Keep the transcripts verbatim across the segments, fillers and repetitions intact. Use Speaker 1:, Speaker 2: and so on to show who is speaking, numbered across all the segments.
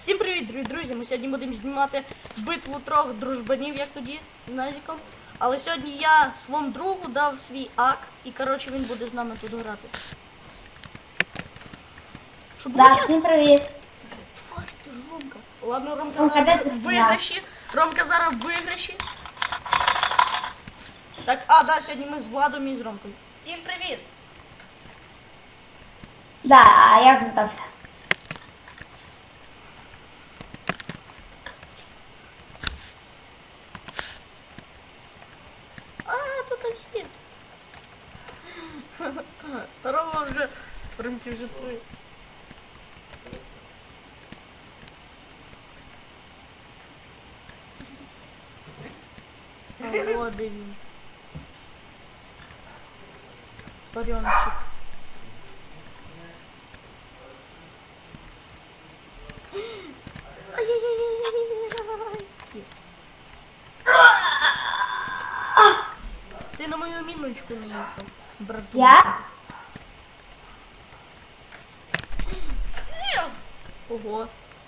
Speaker 1: Всім привіт, дорогі друзі! Ми сьогодні будемо знімати битву трьох дружбанів, як тоді, з Назіком. Але сьогодні я своєму другу дав свій ак, і коротше він буде з нами тут грати. Щоб
Speaker 2: Да, всім привіт.
Speaker 1: Тварь ти, Ромка. Ладно, Ромка
Speaker 2: Ромка,
Speaker 1: зараз
Speaker 2: де ти
Speaker 1: в виграші. Ромка зараз в виграші. Так, а, да, сьогодні ми з Владом і з Ромкою.
Speaker 3: Всім привіт!
Speaker 2: Да, а я звертався.
Speaker 1: А, тут всі. Рома вже, Ромки вже три. О, де він. Тваренчик. Ай-яй-яй-яй-яй-яй. Есть. Ты на мою миночку наехал, брату.
Speaker 2: Я?
Speaker 1: Ого.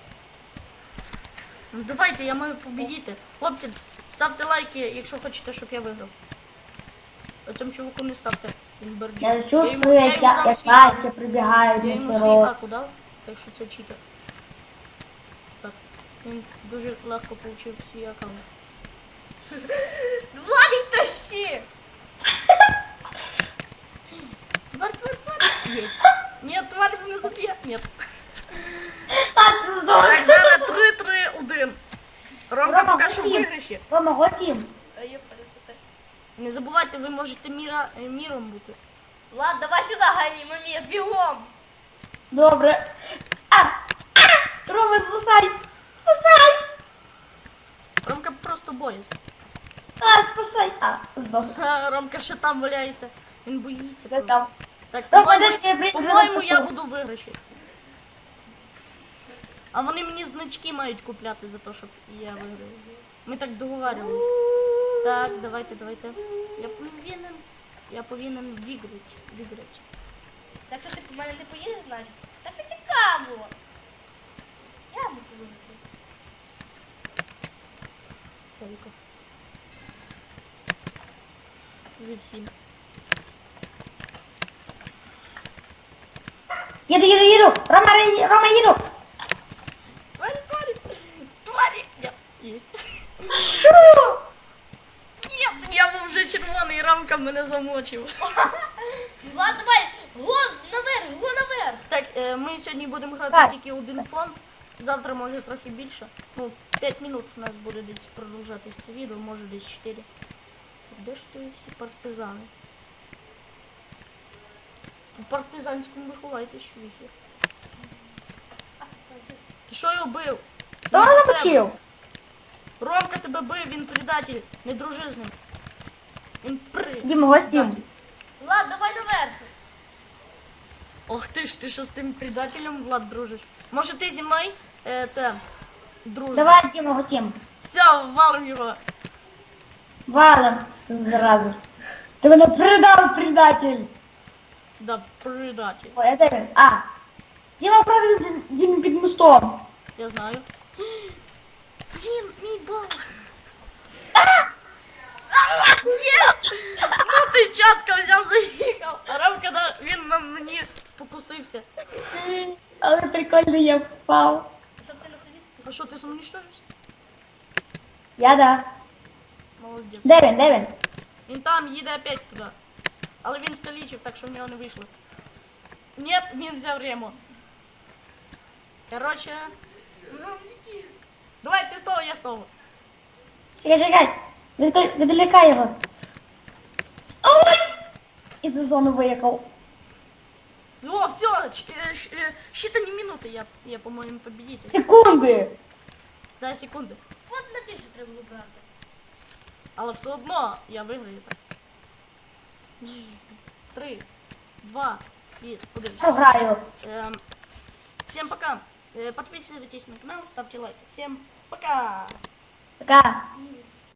Speaker 1: Ну давайте, я маю победити. Хлопці, ставте лайки, якщо хочете, щоб я виграв. А цьому чуваку не ставте. Він берджі.
Speaker 2: Я чувствую, як я- як лайки прибігають
Speaker 1: Я
Speaker 2: на
Speaker 1: йому
Speaker 2: цей
Speaker 1: свій
Speaker 2: рот.
Speaker 1: аку дав, так що це читер. Так, він дуже легко отримав свій аккаунт.
Speaker 3: Владик, тащи!
Speaker 1: Тварь, тварь, тварь! Есть. Нет, тварь мене заб'є. Нет.
Speaker 2: А, це здорово.
Speaker 1: Так, зараз три-три-один. Ромка
Speaker 2: Рома,
Speaker 1: поки що в
Speaker 2: готів.
Speaker 1: виграші.
Speaker 2: Рома, готів.
Speaker 3: А я пересити.
Speaker 1: Не забувайте, ви можете міра, е, міром бути.
Speaker 3: Влад, давай сюди, гані, мамі, бігом!
Speaker 2: Добре. А! А! Рома, спасай! Спасай!
Speaker 1: Ромка просто боїться.
Speaker 2: А, спасай! А, здох.
Speaker 1: Ха, Ромка ще там валяється. Він боїться.
Speaker 2: Де
Speaker 1: просто.
Speaker 2: там?
Speaker 1: Так,
Speaker 2: Рома,
Speaker 1: по-моєму,
Speaker 2: де ти, блін,
Speaker 1: по-моєму,
Speaker 2: зараз
Speaker 1: я
Speaker 2: пішов?
Speaker 1: буду в виграші. А вони мені значки мають купляти за те, щоб я виграв. Ми так договарювалися. Так, давайте, давайте. Я повинен. Я повинен виграти. Виграти.
Speaker 3: Так що ти в мене не поїдеш, значить? Так і цікаво! Я мушу виграти.
Speaker 1: Только. За всім.
Speaker 2: Їду, їду, їду! Рома, ри- Рома, їду!
Speaker 1: Твари, твари, твари. Нет, есть.
Speaker 2: Шу!
Speaker 1: Нет, я був вже червоний, Ромка мене замочив.
Speaker 3: Влад, давай! Гон наверх, гон наверх!
Speaker 1: Так, е, ми сьогодні будемо грати
Speaker 2: Так.
Speaker 1: тільки один фонд. Завтра може трохи більше. Ну, п'ять минут у нас буде десь продовжатись це відео, може десь чотири. Так, де ж ти всі партизани? У партизанському виховайте, що їх є.
Speaker 3: А, фашист.
Speaker 1: Ти що його бив?
Speaker 2: Хто
Speaker 1: Він за тебе.
Speaker 2: замочив?
Speaker 1: Ромка тебе бив, він предатель, не дружи з ним. Він при...
Speaker 2: Дім, гостім.
Speaker 1: предатель.
Speaker 3: Влад, давай наверх!
Speaker 1: Ох ти ж, ти що з тим предателем, Влад, дружиш? Може ти зі мною е, це дружиш?
Speaker 2: Давай, Діма, готім.
Speaker 1: Все, валим його.
Speaker 2: Валим зразу. Ти мене предав, предатель.
Speaker 1: Да, предатель.
Speaker 2: Ой, а де він? А. Діма, правда, він- він під мостом.
Speaker 1: Я знаю. Блін, мій бал. Єс! Ну ти чітко взяв, заїхав. А Ромка, да, він на мені спокусився.
Speaker 2: Але прикольно я впав.
Speaker 3: Щоб ти на собі спів.
Speaker 1: А що, ти самоуничтожився?
Speaker 2: Я да.
Speaker 1: Молодець.
Speaker 2: Де він, де він?
Speaker 1: Він там їде опять туди. Але він скалічив, так що в нього не вийшло. Нет, він взяв Рему. Короче. Давай, ти з того, я з того.
Speaker 2: Чекай, чекай. Відволі- Відволікай його. Ой! І за зону виїхав.
Speaker 1: О, все, считані минути, я, я по-моєму, победитель.
Speaker 2: Секунди.
Speaker 1: Дай секунди.
Speaker 3: Фонд на більше треба було брати.
Speaker 1: Але все одно я виграю так. Три, два и один.
Speaker 2: Програю.
Speaker 1: Эм, всем пока. Э, подписывайтесь на канал, ставьте лайки. Всем пока.
Speaker 2: Пока.
Speaker 3: Ні.